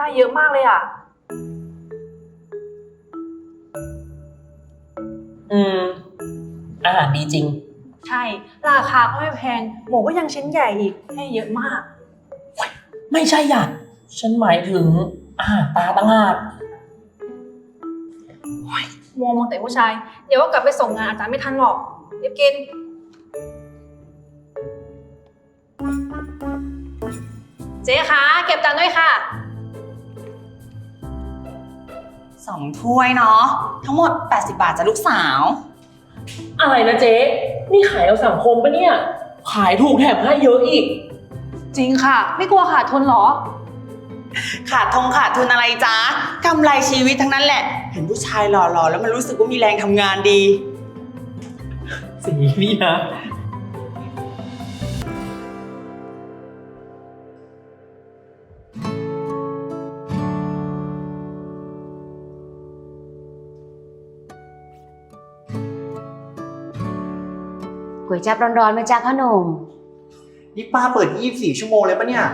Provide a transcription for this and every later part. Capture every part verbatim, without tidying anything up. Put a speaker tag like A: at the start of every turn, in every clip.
A: ได้เยอะมากเลยอ่ะ
B: อืมอาหารดีจริง
A: ใช่ราคาก็ไม่แพงหมูก็ยังชิ้นใหญ่อีกให้เยอะมาก
B: ไม่ใช่อ่ะฉันหมายถึงอาหารตาต่างหาก
A: มัวมองแต่ผู้ชายเดี๋ยวก็กลับไปส่งงานอาจารย์ไม่ทันหรอกรีบกินเจ๊คะเก็บจานด้วยค่ะ
C: สองถ้วยเนาะทั้งหมดแปดสิบบาทจ้ะลูกสาว
B: อะไรนะเจ๊นี่ขายเอาสังคมปะเนี่ยขายถูกแถมให้เยอะอีก
A: จริงค่ะไม่กลัวขาดทุนหรอ
C: ขาดทงขาดทุนอะไรจ๊ะกำไรชีวิตทั้งนั้นแหละเห็นผู้ชายหล่อๆแล้วมันรู้สึกว่ามีแรงทำงานดี
B: สีนี่นะ
D: ก๋วยจั๊บร้อนๆไหมจ๊ะพ่อหนุ่ม
E: นี่ป้าเปิดยี่สิบสี่ชั่วโมงเลยปะเนี่ย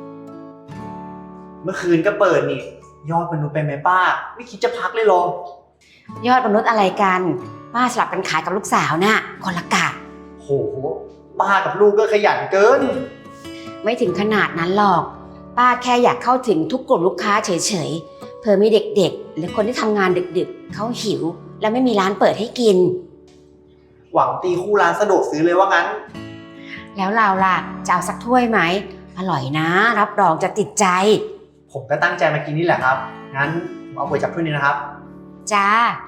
E: เมื่อคืนก็เปิดนี่ยอดมนุษย์ไปไหมป้าไม่คิดจะพักเลยหรอย
D: อดมนุษย์อะไรกันป้าสลับกันขายกับลูกสาวน่ะคนละกะ
E: โหป้ากับลูกก็ขยันเกิน
D: ไม่ถึงขนาดนั้นหรอกป้าแค่อยากเข้าถึงทุกกลุ่มลูกค้าเฉยๆเผื่อมีเด็กๆหรือคนที่ทำงานดึกๆเขาหิวและไม่มีร้านเปิดให้กิน
E: หวังตีคู่ร้านสะดวกซื้อเลยว่างั้น
D: แล้วเราล่ะจะเอาสักถ้วยไหมอร่อยนะรับรองจะติดใจ
E: ผมก็ตั้งใจมากินนี่แหละครับงั้นผมเอาก๋วยจั๊บถ้วยนี้นะครับ
D: จ้า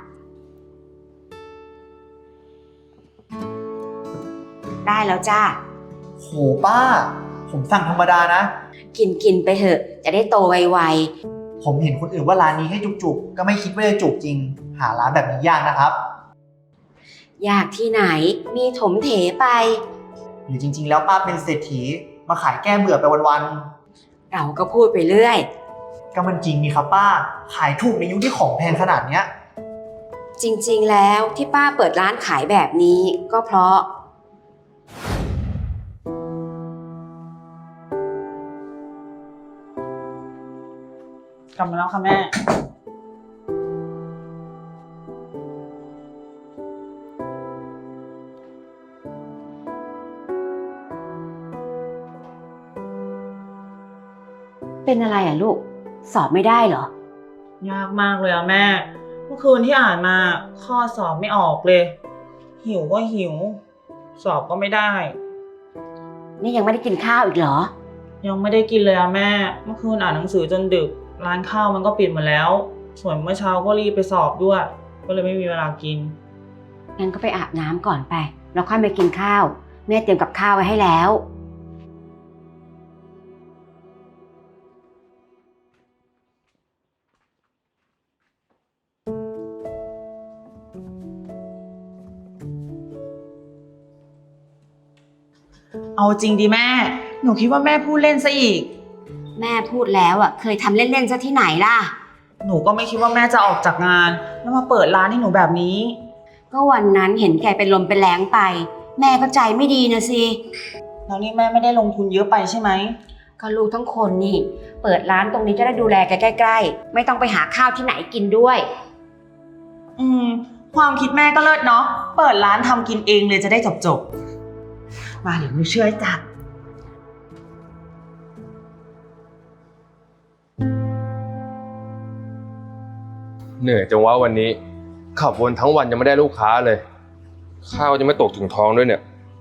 D: ได้แล้วจ้า
E: โหป้าผมสั่งธรรมดานะ
D: กินกินไปเถอะจะได้โตไว
E: ๆผมเห็นคนอื่นว่าร้านนี้ให้จุกๆก็ไม่คิดว่าจะจุกจริงหาร้านแบบนี้ยากนะครับ
D: ยากที่ไหนมีถมเถไป
E: หรือจริงๆแล้วป้าเป็นเศรษฐีมาขายแก้เบื่อไปวัน
D: ๆเราก็พูดไปเรื่อย
E: ก็มันจริงนี่ครับป้าขายถูกในยุคที่ของแพงขนาดเนี้ย
D: จริงๆแล้วที่ป้าเปิดร้านขายแบบนี้ก็เพราะ
B: กลับมาแล้วค่ะแม่
D: เป็นอะไรอ่ะลูกสอบไม่ได้เหร
B: อยากมากเลยอะแม่เมื่อคืนที่อ่านมาข้อสอบไม่ออกเลยหิวก็หิวสอบก็ไม่ได้
D: นี่ยังไม่ได้กินข้าวอีกเหรอ
B: ยังไม่ได้กินเลยอะแม่เมื่อคืนอ่านหนังสือจนดึกร้านข้าวมันก็ปิดหมดแล้วส่วนเมื่อเช้าก็รีบไปสอบด้วยก็เลยไม่มีเวลากิน
D: งั้นก็ไปอาบน้ำก่อนไปแล้วค่อยไปกินข้าวแม่เตรียมกับข้าวไว้ให้แล้ว
C: เอาจริงดิแม่หนูคิดว่าแม่พูดเล่นซะอีก
D: แม่พูดแล้วอ่ะเคยทำเล่นๆซะที่ไหนล่ะ
C: หนูก็ไม่คิดว่าแม่จะออกจากงานแล้วมาเปิดร้านให้หนูแบบนี้
D: ก็วันนั้นเห็นแกเป็นลมเป็นแรงไปแม่ก็ใจไม่ดีนะสิ
C: แล้วนี่แม่ไม่ได้ลงทุนเยอะไปใช่ไหม
D: ก็ลูกทั้งคนนี่เปิดร้านตรงนี้จะได้ดูแลแกใกล้ๆไม่ต้องไปหาข้าวที่ไหนกินด้วย
C: อืมความคิดแม่ก็เลิศเนาะเปิดร้านทำกินเองเลยจะได้จบๆมาเดี๋ยวหนูช่วยจัด
F: เหนื่อยจังวะวันนี้ขับวนทั้งวันยังไม่ได้ลูกค้าเลยข้าวยังไม่ตกถึงท้องด้วยเนี่ย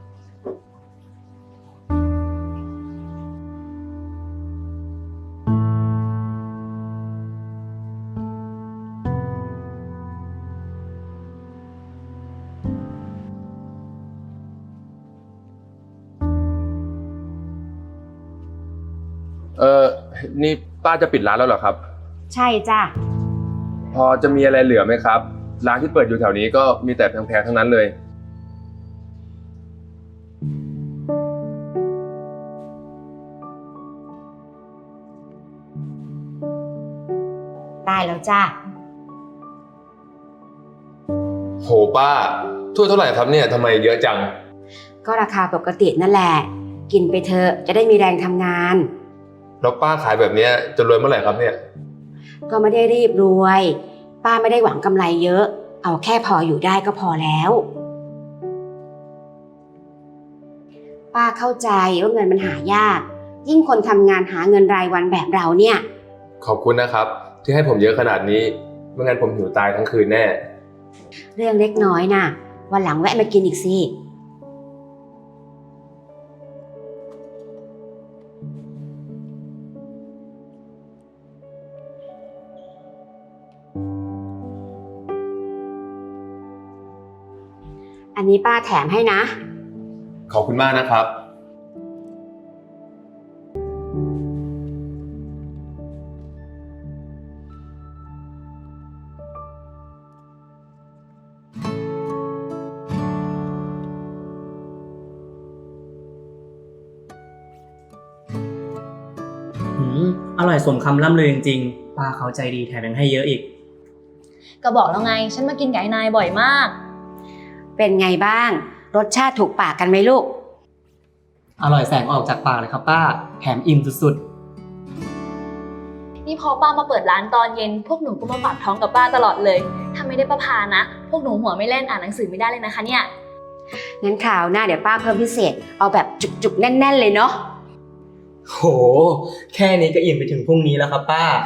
F: เออนี่ป้าจะปิดร้านแล้วเหรอครับ
D: ใช่จ้ะ
F: พอจะมีอะไรเหลือไหมครับร้านที่เปิดอยู่แถวนี้ก็มีแต่แพงๆทั้งนั้นเลย
D: ได้แล้วจ้ะ
F: โหป้าถ้วยเท่าไหร่ครับเนี่ยทำไมเยอะจัง
D: ก็ราคาปกตินั่นแหละกินไปเถอะจะได้มีแรงทำงาน
F: แล้วป้าขายแบบเนี้ยจะรวยเมื่อไหร่ครับเนี่ย
D: ก็ไม่ได้รีบรวย ป้าไม่ได้หวังกำไรเยอะ เอาแค่พออยู่ได้ก็พอแล้ว ป้าเข้าใจว่าเงินมันหายาก ยิ่งคนทำงานหาเงินรายวันแบบเราเนี่ย
F: ขอบคุณนะครับ ที่ให้ผมเยอะขนาดนี้ไม่งั้นผมหิวตายทั้งคืนแน่
D: เรื่องเล็กน้อยน่ะ วันหลังแวะมากินอีกสิ อันนี้ป้าแถมให้นะ
F: ขอบคุณมากนะครับ
G: หืมอร่อยสมคำล่ำลือจริงๆป้าเขาใจดีแถมยังให้เยอะอีก
H: ก็บอกแล้วไง ฉันมากินไก่นายบ่อยมาก
D: เป็นไงบ้าง รสชาติถูกปากกันไหมลูก
G: อร่อยแสงออกจากปากเลยครับป้า แถมอิ่มสุด
H: นี่พอป้ามาเปิดร้านตอนเย็น พวกหนูก็มาฝากท้องกับป้าตลอดเลย ถ้าไม่ได้ป้าพานะ พวกหนูหัวไม่เล่นอ่านหนังสือไม่ได้เลยนะคะเนี่ย
D: งั้นคราวหน้าเดี๋ยวป้าเพิ่มพิเศษ เอาแบบจุกๆแน่นๆเลยเนาะ
G: ๆ โห แค่นี้ก็อิ่มไปถึงพรุ่งนี้แล้วครับป้า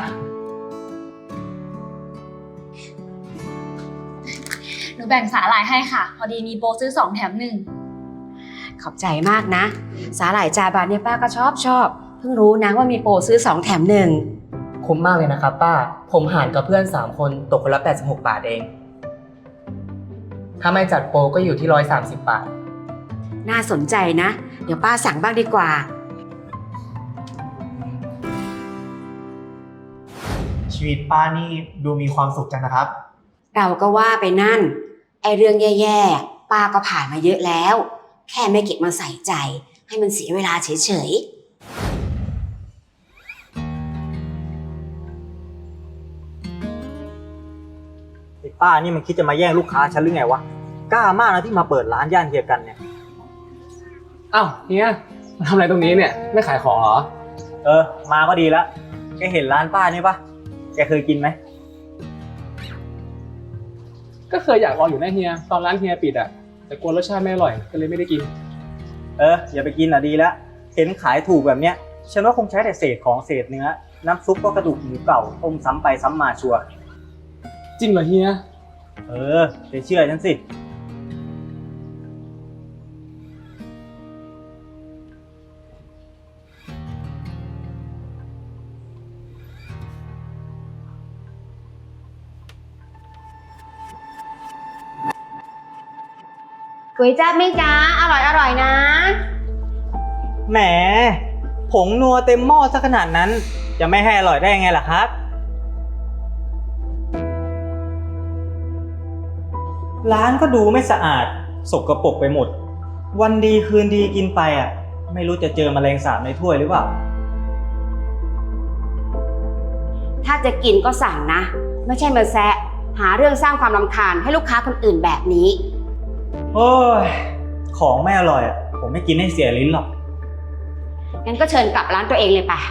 H: หนูแบ่งสาหร่ายให้ค่ะ พอดีมีโปรซื้อสองแถมหนึ่ง
D: ขอบใจมากนะ สาหร่ายจาบานเนี่ยป้าก็ชอบชอบ เพิ่งรู้นะว่ามีโปรซื้อสองแถมหนึ่ง
G: คุ้มมากเลยนะครับป้า ผมหารกับเพื่อนสามคนตกคนละแปดสิบหกบาทเอง ถ้าไม่จัดโปรก็อยู่ที่หนึ่งร้อยสามสิบบาท
D: น่าสนใจนะ เดี๋ยวป้าสั่งบ้างดีกว่า
E: ชีวิตป้านี่ดูมีความสุขจังนะครับ
D: เราก็ว่าไปนั่น ไอเรื่องแย่ๆ ป้าก็ผ่านมาเยอะแล้ว แค่ไม่เก็บมาใส่ใจ ให้มันเสียเวลาเฉยๆ
I: ไอ้ป้านี่มันคิดจะมาแย่งลูกค้าฉันหรือไงวะ กล้ามากนะที่มาเปิดร้านย่านเฮียกันเนี่ย
J: อ้าวเฮียมาทำอะไรตรงนี้เนี่ยไม่ขายของเหรอ
I: เออ มาก็ดีแล้วแกเห็นร้านป้านี่ปะแกเคยกินไหม
J: ก็เคยอยากลองอยู่นะเฮียตอนร้านเฮียปิดอะแต่กลัวรสชาติไม่อร่อยก็เลยไม่ได้กิน
I: เอออย่าไปกินอ่ะดีแล้วเห็นขายถูกแบบเนี้ยฉันว่าคงใช้แต่เศษของเศษเนื้อน้ำซุปก็กระดูกหมูเก่าต้มซ้ำไปซ้ำมาชัวร์
J: จริงเหรอเฮีย
I: เออไปเชื่อฉันสิ
D: ก๋วยจั๊บไหมจ๊ะ อร่อยอร่อยนะ
I: แหมผงนัวเต็มหม้อซะขนาดนั้นจะไม่ให้อร่อยได้ยังไงล่ะครับ ร้านก็ดูไม่สะอาดสกปรกไปหมด วันดีคืนดีกินไปอ่ะไม่รู้จะเจอแมลงสาบในถ้วยหรือเปล่า
D: ถ้าจะกินก็สั่งนะ ไม่ใช่มาแซะ หาเรื่องสร้างความรำคาญให้ลูกค้าคนอื่นแบบนี้
I: โอ้ยของไม่อร่อยอ่ะผมไม่กินให้เสียลิ้นหรอก
D: งั้นก็เชิญกลับร้านตัวเองเลยป่ะ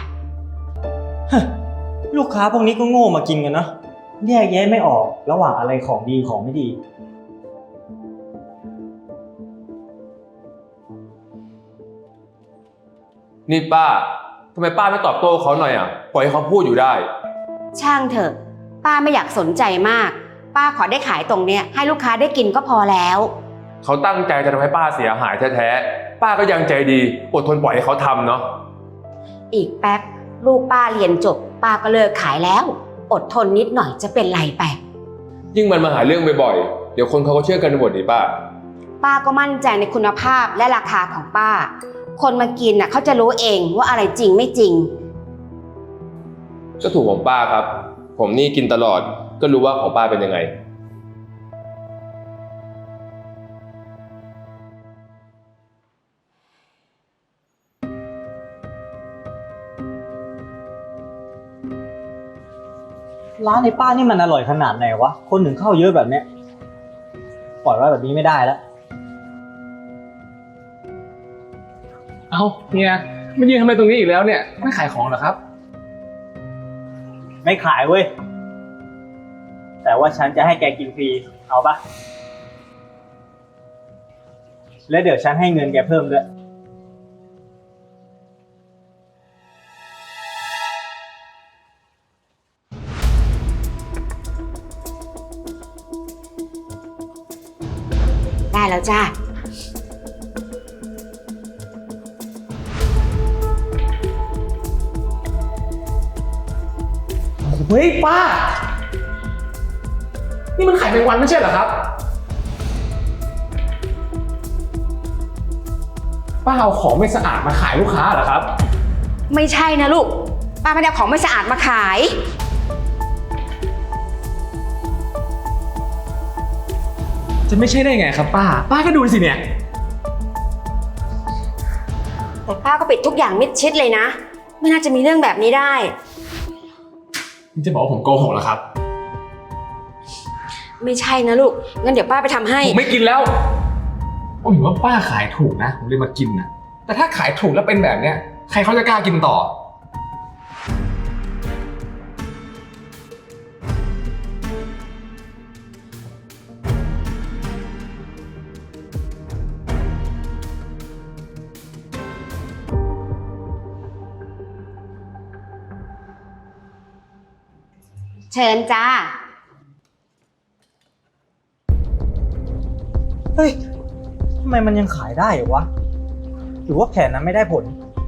I: ลูกค้าพวกนี้ก็โง่มากินกันเนาะแยกแยะไม่ออกระหว่างอะไรของดีของไม่ดี
F: นี่ป้าทำไมป้าไม่ตอบโต้เขาหน่อยอ่ะปล่อยให้เขาพูดอยู่ได้
D: ช่างเถอะ ป้าไม่อยากสนใจมาก ป้าขอได้ขายตรงเนี้ยให้ลูกค้าได้กินก็พอแล้ว
F: เขาตั้งใจจะทำให้ป้าเสียหายแท้ๆป้าก็ยังใจดีอดทนปล่อยให้เขาทำเนาะ
D: อีกแป๊บลูกป้าเรียนจบ ป้าก็เลิกขายแล้ว อดทนนิดหน่อยจะเป็นไรไป
F: ยิ่งมันมาหาเรื่องบ่อยๆเดี๋ยวคนเขาก็เชื่อกันหมดดิป้า
D: ป้าก็มั่นใจในคุณภาพและราคาของป้า คนมากินน่ะเขาจะรู้เองว่าอะไรจริงไม่จริง
F: ก็ถูกของป้าครับ ผมนี่กินตลอดก็รู้ว่าของป้าเป็นยังไง
I: ร้านในป้านี่มันอร่อยขนาดไหนวะคนถึงเข้าเยอะแบบเนี้ยปล่อยไว้แบบนี้ไม่ได้แล้ว
J: เอ้าเฮียมายืนทำไมตรงนี้อีกแล้วเนี่ย ไม่ขายของเหรอครับ
I: ไม่ขายเว้ย แต่ว่าฉันจะให้แกกินฟรี เอาปะแล้วเดี๋ยวฉันให้เงินแกเพิ่มด้วย
D: ได้แล้วจ้า
J: เฮ้ยป้า นี่มันไข่แมงวันไม่ใช่เหรอครับ ป้าเอาของไม่สะอาดมาขายลูกค้าเหรอครับ
D: ไม่ใช่นะลูก ป้าไม่ได้เอาของไม่สะอาดมาขาย
J: จะไม่ใช่ได้ไงครับป้า ป้าก็ดูสิเนี่ย
D: แต่ป้าก็ปิดทุกอย่างมิดชิดเลยนะ ไม่น่าจะมีเรื่องแบบนี้ได้
J: นี่จะบอกว่าผมโกหกเหรอครับ
D: ไม่ใช่นะลูก งั้นเดี๋ยวป้าไปทำให้
J: ผมไม่กินแล้วผมเห็นว่าป้าขายถูกนะ ผมเลยมากินนะแต่ถ้าขายถูกแล้วเป็นแบบเนี้ย ใครเขาจะกล้ากินต่อ
D: เชิญจ้า
I: เฮ้ย ทำไมมันยังขายได้เหรอวะ หรือว่าแผนนั้นไม่ได้ผล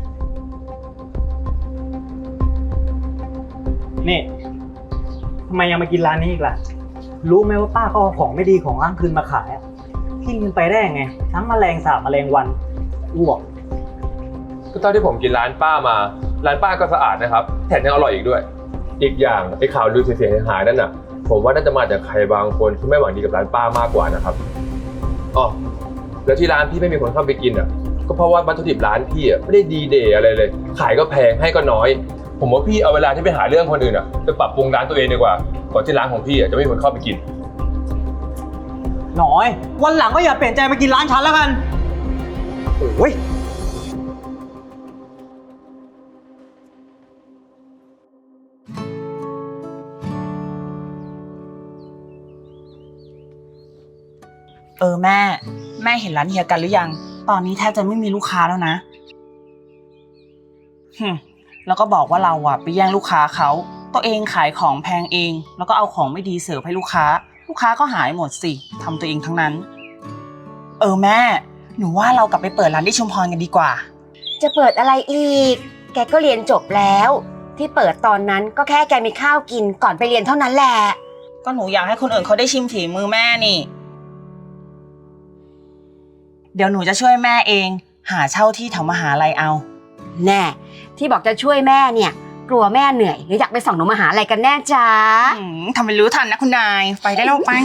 I: นี่ ทำไมยังมากินร้านนี้อีกล่ะ รู้ไหมว่าป้าเขาเอาของไม่ดีของอ้างคืนมาขายอ่ะกินกันไปได้ยังไง ทั้งแมลงสาบแมลงวันอ้วก
F: ก็เท่าที่ผมกินร้านป้ามา ร้านป้าก็สะอาดนะครับ แถมยังอร่อยอีกด้วย อีกอย่างไอ้ข่าวลือเสียหายๆนั่นน่ะ ผมว่าน่าจะมาจากใครบางคนที่ไม่หวังดีกับร้านป้ามากกว่านะครับอ๋อแล้วที่ร้านพี่ไม่มีคนเข้าไปกินอ่ะ ก็เพราะว่าวัตถุดิบร้านพี่อ่ะไม่ได้ดีเดย์อะไรเลย ขายก็แพงให้ก็น้อย ผมว่าพี่เอาเวลาที่ไปหาเรื่องคนอื่นอ่ะไปปรับปรุงร้านตัวเองดีกว่า ก่อนที่ร้านของพี่อ่ะจะไม่มีคนเข้าไปกิน
I: หน่อย วันหลังก็อย่าเปลี่ยนใจมากินร้านฉันแล้วกัน โอ้ย
C: เออแม่ แม่เห็นร้านเฮียกันหรือยัง ตอนนี้แทบจะไม่มีลูกค้าแล้วนะหึแล้วก็บอกว่าเราอะไปแย่งลูกค้าเขา ตัวเองขายของแพงเอง แล้วก็เอาของไม่ดีเสิร์ฟให้ลูกค้า ลูกค้าก็หายหมดสิทำตัวเองทั้งนั้น เออแม่ หนูว่าเรากลับไปเปิดร้านที่ชุมพรกันดีกว่า
D: จะเปิดอะไรอีก แกก็เรียนจบแล้ว ที่เปิดตอนนั้นก็แค่แกมีข้าวกินก่อนไปเรียนเท่านั้นแหละ
C: ก็หนูอยากให้คนอื่นเขาได้ชิมฝีมือแม่นี่ เดี๋ยวหนูจะช่วยแม่เอง หาเช่าที่แถวมหาลัยเอา
D: แน่ ที่บอกจะช่วยแม่เนี่ย กลัวแม่เหนื่อยหรืออยากไปส่องหนูมหาลัยกันแน่จ้า
C: อืมทำเป็นรู้ทันนะคุณนาย ไปได้แล้วไป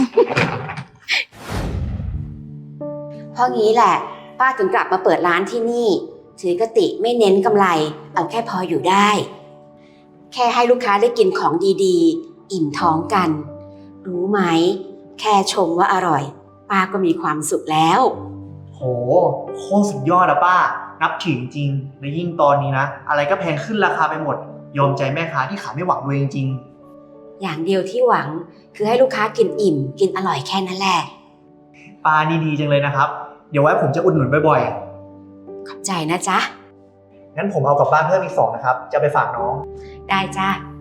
D: เพราะงี้แหละ ป้าถึงกลับมาเปิดร้านที่นี่ ถือกติไม่เน้นกำไร เอาแค่พออยู่ได้ แค่ให้ลูกค้าได้กินของดีๆ อิ่มท้องกัน รู้ไหม แค่ชมว่าอร่อย ป้าก็มีความสุขแล้ว
E: โห โคตรสุดยอดอะป้า นับถือจริงๆและยิ่งตอนนี้นะ อะไรก็แพงขึ้นราคาไปหมด ยอมใจแม่ค้าที่ขายไม่หวังรวยจริง
D: อย่างเดียวที่หวังคือให้ลูกค้ากินอิ่ม กินอร่อยแค่นั้นแหละ
E: ๆป้านี่ดีจังเลยนะครับ เดี๋ยวไว้ผมจะอุดหนุนบ่อย
D: ขอบใจนะจ๊ะ
E: ๆ งั้นผมเอากลับบ้านเพิ่มอีกสองนะครับ จะไปฝากน้อง
D: ได้จ้า
E: ค